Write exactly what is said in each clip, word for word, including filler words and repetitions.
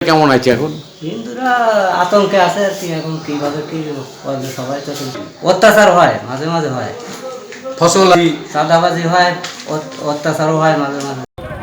কেমন আছে এখন? হিন্দুরা আতঙ্কে আছে আর কি, এখন কিভাবে কি করবে সবাই তো অত্যাচার হয়, মাঝে মাঝে হয়, ফসল চাঁদাবাজি হয়, অত্যাচারও হয় মাঝে মাঝে।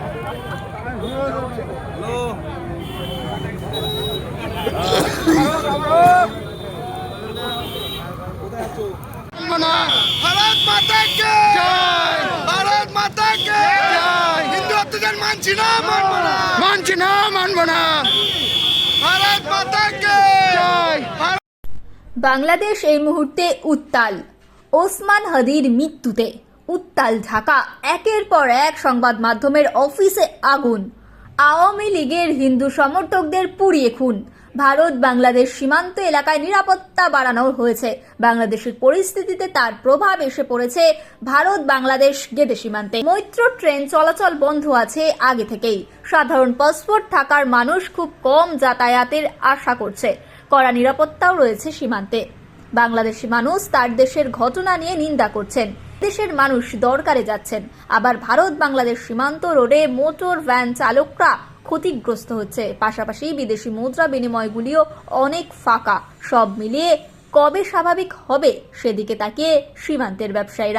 भारत माता के जय, भारत माता के जय। हिंदू अत्याचार मानছি না, মানবো না, মানছি না, মানবো না। भारत माता के जय। বাংলাদেশ এই মুহূর্তে উত্তাল। ওসমান হাদির মৃত্যুতে উত্তাল ঢাকা। একের পর এক সংবাদ মাধ্যমের অফিসে আগুন। আওয়ামী লীগের হিন্দু সমর্থকদের পুড়িয়ে খুন। ভারত বাংলাদেশ সীমান্ত এলাকায় নিরাপত্তা বাড়ানো হয়েছে। বাংলাদেশের পরিস্থিতিতে তার প্রভাব এসে পড়েছে ভারত বাংলাদেশ গেটে সীমান্তে। মৈত্র ট্রেন চলাচল বন্ধ আছে আগে থেকেই। সাধারণ পাসপোর্ট থাকার মানুষ খুব কম যাতায়াতের আশা করছে। কড়া নিরাপত্তাও রয়েছে সীমান্তে। বাংলাদেশি মানুষ তার দেশের ঘটনা নিয়ে নিন্দা করছেন। দেশের মানুষ দরকারে যাচ্ছেন। আবার ভারত বাংলাদেশ সীমান্ত রোডে মোটর ভ্যান চালকরা ক্ষতিগ্রস্ত হচ্ছে। পাশাপাশি বিদেশি মুদ্রা বিনিময়গুলিও অনেক ফাঁকা। সব মিলিয়ে কবে স্বাভাবিক হবে সেদিকে তাকিয়ে সীমান্তের ব্যবসায়ীরা।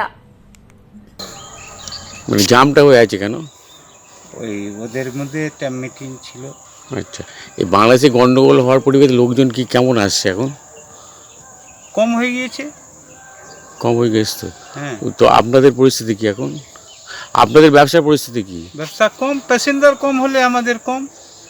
মানে জামটা হয়ে আছে কেন? ওই ওদের মধ্যে একটা মিটিং ছিল। আচ্ছা, এই বাংলাদেশে গন্ডগোল হওয়ার পরিবেশে লোকজন কি কেমন আসছে এখন? কম হয়ে গিয়েছে। কম হয়ে গেছে তো? হ্যাঁ। তো আপনাদের পরিস্থিতি কি এখন? আপনাদের ব্যবসার পরিস্থিতি কি? ব্যবসা কম, প্যাসেঞ্জার কম হলে আমাদের কম।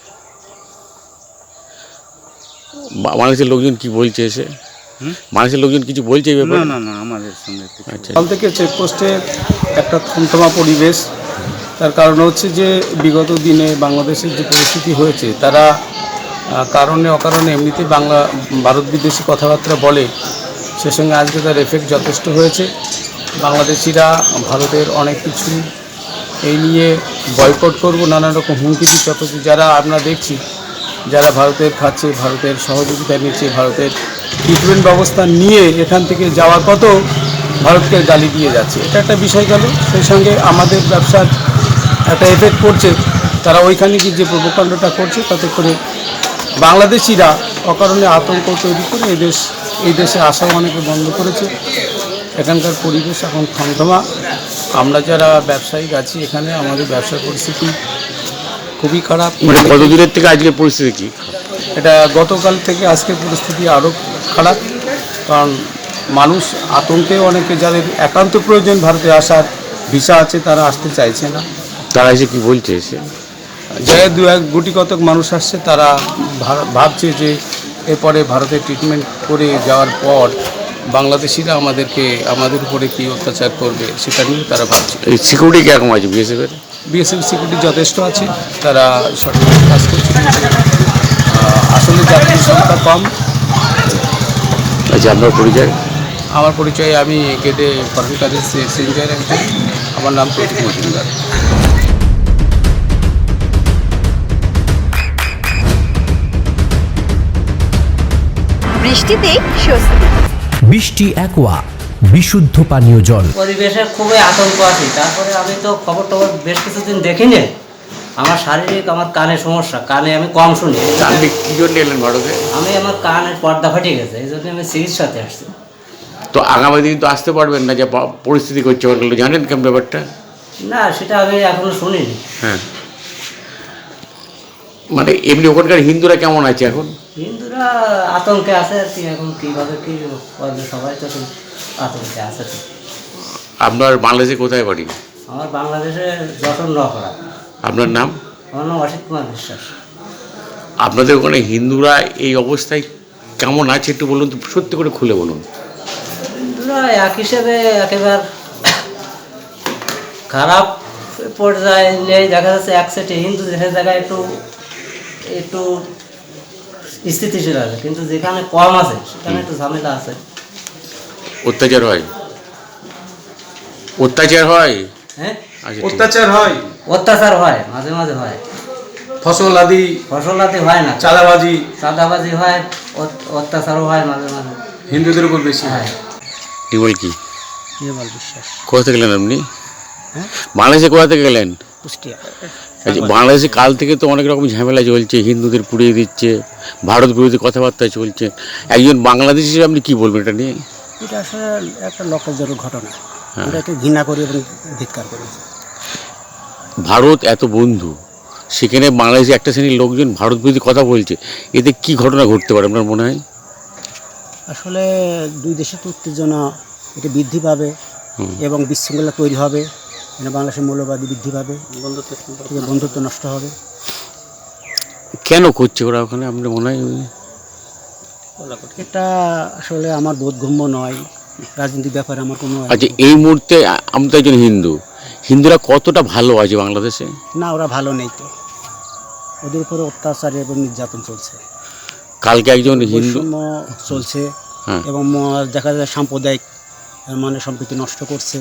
বাংলাদেশের লোকজন কি বলছে এসে? বাংলাদেশের লোকজন কিছু বলছে এই ব্যাপারে? না না না আমাদের সঙ্গে। আচ্ছা, কাল থেকে চেকপোস্টের একটা থমথমা পরিবেশ। তার কারণ হচ্ছে যে বিগত দিনে বাংলাদেশের যে পরিস্থিতি হয়েছে, তারা কারণে অকারণে এমনিতে বাংলা ভারত বিদেশি কথাবার্তা বলে, সে সঙ্গে আজকে তার এফেক্ট যথেষ্ট হয়েছে। বাংলাদেশিরা ভারতের অনেক কিছু এই নিয়ে বয়কট করব নানা রকম হুমকি দিচ্ছে, অথচ যারা আমরা দেখছি যারা ভারতের খাচ্ছে, ভারতের সহযোগিতা নিচ্ছে, ভারতের ট্রিটমেন্ট ব্যবস্থা নিয়ে এখান থেকে যাওয়ার পথও ভারতকে গালি দিয়ে যাচ্ছে। এটা একটা বিষয় গেল। সেই সঙ্গে আমাদের ব্যবসার একটা এফেক্ট পড়ছে। তারা ওইখানে গিয়ে যে প্রবকাণ্ডটা করছে, তাতে করে বাংলাদেশিরা অকারণে আতঙ্ক তৈরি করে এই দেশ এই দেশে আসাও অনেকে বন্ধ করেছে। এখানকার পরিবেশ এখন থমথমা। আমরা যারা ব্যবসায়িক আছি এখানে, আমাদের ব্যবসার পরিস্থিতি খুবই খারাপ। মানে কত দূরের থেকে আজকের পরিস্থিতি কি? এটা গতকাল থেকে আজকের পরিস্থিতি আরও খারাপ। কারণ মানুষ আতঙ্কে, অনেকে যাদের একান্ত প্রয়োজন ভারতে আসার ভিসা আছে, তারা আসতে চাইছে না। তারা এসে কি বলছে এসে? যে দু এক গুটি কতক মানুষ আসছে, তারা ভাবছে যে এরপরে ভারতে ট্রিটমেন্ট করে যাওয়ার পর বাংলাদেশিরা আমাদেরকে আমাদের উপরে কী অত্যাচার করবে সেটা নিয়ে তারা ভাবছে। এই সিকিউরিটি কীরকম আছে বিএসএফের? বিএসএফ সিকিউরিটি যথেষ্ট আছে, তারা সঠিক কাজ করছে। আসলে যাত্রীর সংখ্যা কম। আচ্ছা, আপনার পরিচয়? আমার পরিচয়, আমি গেটে ফরেন কাজের সেঞ্জার একজন। আমার নাম প্রতীক মজুমদার। বৃষ্টিতে স্বস্তি। বৃষ্টি অ্যাকোয়া বিশুদ্ধ পানীয় জল। পরিবেশে খুবই আতঙ্ক আছে। তারপরে আমি তো খবর টবর বেশ কিছুদিন দেখিনি। আমার শারীরিক, আমার কানে সমস্যা, কানে আমি কম শুনি। আপনি কী জন্য এলেন ভারতে? আমি আমার কানের পর্দা ফাটে গেছে, এই জন্য আমি চিকিৎসাতে আসছি। তো আগামী দিন তো আসতে পারবেন না, যে পরিস্থিতি করছে ওগুলো জানেন কেমন ব্যাপারটা? না, সেটা আমি এখনো শুনিনি। হ্যাঁ, মানে এমনি ওখানকার হিন্দুরা কেমন আছে এখন? হিন্দুরা আতঙ্কে আছে আর কি, এখন কীভাবে কী করবে সবাই তো আতঙ্কে আছে। তো আপনার বাংলাদেশে কোথায় বাড়ি? আমার বাংলাদেশে যশোর নকরা। আপনার নাম? আমার নাম অসিত কুমার বিশ্বাস। আপনাদের ওখানে হিন্দুরা এই অবস্থায় কেমন আছে একটু বলুন তো, সত্যি করে খুলে বলুন। হিন্দুরা এক হিসেবে একেবারে খারাপ পর্যায়ে নেই, দেখা যাচ্ছে এক সেটে হিন্দু যে জায়গায় একটু একটু স্থিতিশীল আছে, কিন্তু যেখানে কম আছে সেখানে একটু ঝামেলা আছে। অত্যাচার হয়? অত্যাচার হয়? হ্যাঁ, অত্যাচার হয়, অত্যাচার হয়, মাঝে মাঝে হয়। ফসল আদি ফসল আদি হয় না, চাঁদাবাজি চাঁদাবাজি হয়, অত্যাচারও হয় মাঝে মাঝে। হিন্দুদের উপর বেশি হয়। টিউবওয়েল কি? নির্মল বিশ্বাস। কোথা থেকে গেলেন আপনি? হ্যাঁ, বাংলাদেশে কোথা থেকে গেলেন? কুষ্টিয়া। আচ্ছা, বাংলাদেশে কাল থেকে তো অনেক রকম ঝামেলা চলছে, হিন্দুদের পুড়িয়ে দিচ্ছে, ভারত বিরোধী কথাবার্তা চলছে। একজন বাংলাদেশি হিসেবে আপনি কি বলবেন এটা নিয়ে? এটা আসলে একটা লক্ষ্যজনক ঘটনা, আমরা একটু ঘৃণা করি এবং ধিক্কার করি। ভারত এত বন্ধু, সেখানে বাংলাদেশে একটা শ্রেণীর লোকজন ভারত বিরোধী কথা বলছে, এতে কি ঘটনা ঘটতে পারে আপনার মনে হয়? আসলে দুই দেশের তো উত্তেজনা এটা বৃদ্ধি পাবে এবং বিশৃঙ্খলা তৈরি হবে, মানে বাংলাদেশের মৌলবাদী বৃদ্ধি পাবে, বন্ধুত্ব বন্ধুত্ব নষ্ট হবে। কেন করছে ওরা ওখানে আপনার মনে হয়? এটা আসলে আমার বোধগম্য নয়, রাজনৈতিক ব্যাপারে আমার কোনো। আচ্ছা, এই মুহূর্তে আমি তো একজন হিন্দু, হিন্দুরা কতটা ভালো আছে বাংলাদেশে? না, ওরা ভালো নেই তো, ওদের উপরে অত্যাচার এবং নির্যাতন চলছে, কালকে একজন হিন্দু বৈষম্য চলছে হ্যাঁ। এবং ম- দেখা যায় সাম্প্রদায়িক মানে সম্প্রীতি নষ্ট করছে।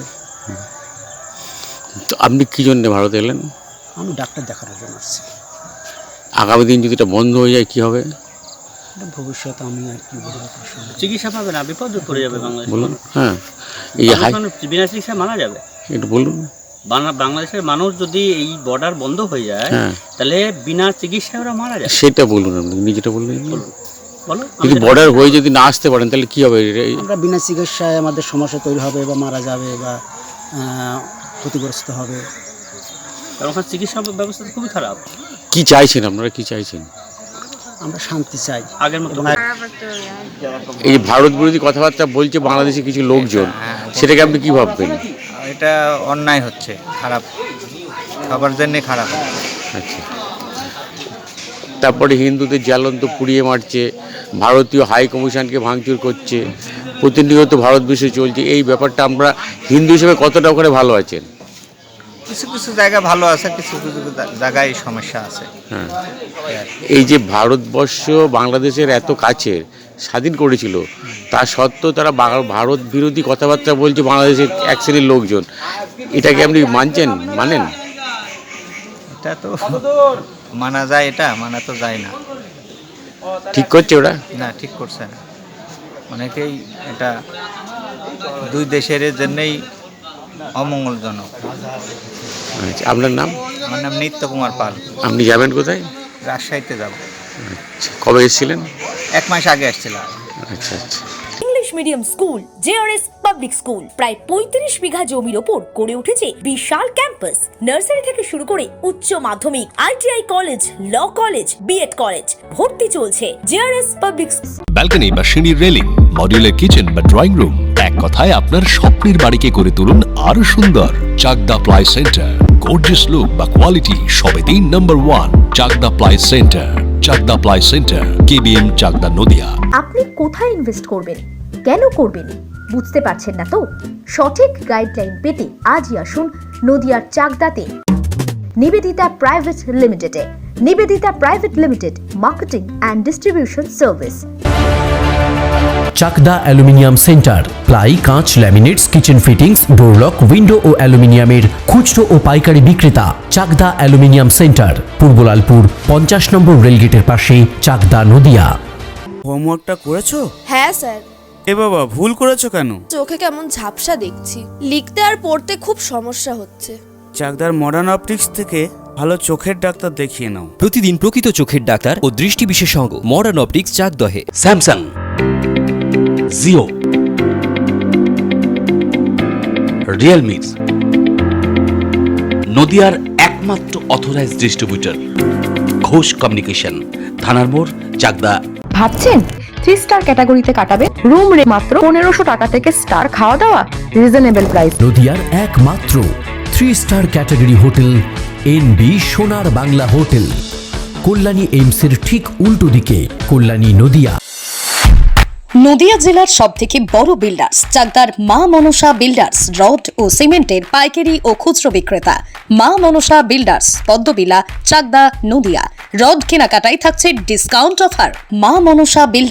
তো আপনি কি জন্য ভারতে এলেন? আমি ডাক্তার দেখানোর জন্য আসছি। আগামী দিন যদি এটা বন্ধ হয়ে যায় কি হবে? এটা ভবিষ্যতে আমি আর কি বলবো তার সঙ্গে। চিকিৎসা পাবে না, বিপদে পড়ে যাবে বাংলাদেশ। বলুন। হ্যাঁ, এই হাই মানুষ বিনা চিকিৎসায় মারা যাবে। একটু বলুন। বাংলা- বাংলাদেশের মানুষ যদি এই বর্ডার বন্ধ হয়ে যায় হ্যাঁ, তাহলে বিনা চিকিৎসায় ওরা মারা যাবে। সেটা বলুন, আপনি নিজেটা বললেন। বলো, যদি বর্ডার হয়ে যদি না আসতে পারেন তাহলে কি হবে? এই- আমরা বিনা চিকিৎসায় আমাদের সমস্যা তৈরি হবে বা মারা যাবে বা আহ, ক্ষতিগ্রস্ত হবে। কারণ ওখানে চিকিৎসা ব্যবস্থা তো খুবই খারাপ। কি চাইছেন আপনারা, কি চাইছেন? আমরা শান্তি চাই। আগের মতো এবং এই যে ভারত বিরোধী কথাবার্তা বলছে বাংলাদেশে কিছু লোকজন, সেটাকে আপনি কি ভাববেন? এটা অন্যায় হচ্ছে, খারাপ, সবার জন্যে খারাপ। আচ্ছা, তারপরে হিন্দুদের জ্বলন্ত পুড়িয়ে মারছে, ভারতীয় হাই কমিশনকে ভাঙচুর করছে, প্রতিনিয়ত ভারত বিষয় চলছে। এই ব্যাপারটা আমরা হিন্দু হিসেবে কতটা ওখানে ভালো আছেন? কিছু কিছু জায়গা ভালো আছে, কিছু কিছু জায়গায় সমস্যা আছে। হ্যাঁ, এই যে ভারতবর্ষ বাংলাদেশের এত কাছের স্বাধীন করেছিল, তা সত্ত্বেও তারা বা- ভারত বিরোধী কথাবার্তা বলছে বাংলাদেশের এক শ্রেণীর লোকজন, এটাকে আপনি মানছেন, মানেন? এটা তো মানা যায়, এটা মানা তো যায় না। ঠিক করছে ওরা? না, ঠিক করছে না। অনেকেই এটা দুই দেশের জন্যই অমঙ্গলজনক। আচ্ছা, আপনার নাম? আমার নাম নিত্য কুমার পাল। আপনি যাবেন কোথায়? রাজশাহীতে যাব। আচ্ছা, কবে এসেছিলেন? এক মাস আগে আসছিলাম। আচ্ছা আচ্ছা। English medium school JRS public school প্রায় পঁয়ত্রিশ বিঘা জমির ওপর গড়ে উঠেছে বিশাল ক্যাম্পাস। নার্সারি থেকে শুরু করে উচ্চ মাধ্যমিক, ITI college, law college, B Ed college, ভর্তি চলছে জেআরএস পাবলিক। ব্যালকনি বা সিঁড়ির রেলিং, মডিউলার কিচেন বা ড্রয়িং রুম, এক কথায় আপনার স্বপ্নের বাড়িকে করে তুলুন আরো সুন্দর। Chakdah ply centre, gorgeous look বা কোয়ালিটি সবে তিন number one. Chakdah ply centre, Chakdah ply centre, KBM, Chakdah, Nadia. আপনি কোথায় ইনভেস্ট করবেন, কেন করবেন, বুঝতে পারছেন না তো? সঠিক গাইডলাইন পেতে আজই আসুন নদিয়ার চাকদাতে নিবেদিতা প্রাইভেট লিমিটেডে। Nivedita private limited, marketing and distribution service. Chakdah aluminium centre, ply, কাঁচ, laminates, kitchen fittings, door lock, window ও অ্যালুমিনিয়ামের খুচরো ও পাইকারি বিক্রেতা। চাকদা অ্যালুমিনিয়াম সেন্টার, পূর্বলালপুর, পঞ্চাশ নম্বর রেলগেটের পাশে, চাকদা, নদিয়া। হোমওয়ার্কটা করেছো? হ্যাঁ স্যার। এ বাবা, ভুল করেছো কেন? চোখে কেমন ঝাপসা দেখছি, লিখতে আর পড়তে খুব সমস্যা হচ্ছে। চাকদার মডার্ন অপটিক্স থেকে ভালো চোখের ডাক্তার দেখিয়ে নাও। প্রতিদিন প্রকৃত চোখের ডাক্তার ও দৃষ্টি বিশেষজ্ঞ মডার্ন অপটিক্স, চাকদহে। স্যামসাং, জিও, রিয়েলমি, নদিয়ার একমাত্র অথরাইজড ডিস্ট্রিবিউটর ঘোষ কমিউনিকেশন, থানার মোড়, চাকদা। ভাবছেন থ্রি স্টার ক্যাটাগরিতে কাটাবে? রুম রে মাত্র পনেরোশো টাকা থেকে স্টার, খাওয়া দাওয়া রিজনেবল প্রাইস। নদিয়ার একমাত্র three star category hotel NB Sonar Bangla hotel, Kalyani এইমসের ঠিক উল্টো দিকে, কল্যাণী, নদিয়া। নদিয়া জেলার সব থেকে বড় বিল্ডার্স চাকদার মা মনসা বিল্ডার্স, রড ও সিমেন্টের পাইকারি ও খুচরো বিক্রেতা। মা মনসা বিল্ডার্স, পদ্মবিলা, চাকদা, নদিয়া। রড কেনাকাটায় থাকছে ডিসকাউন্ট অফার। মা মনসা বিল্ডার্স।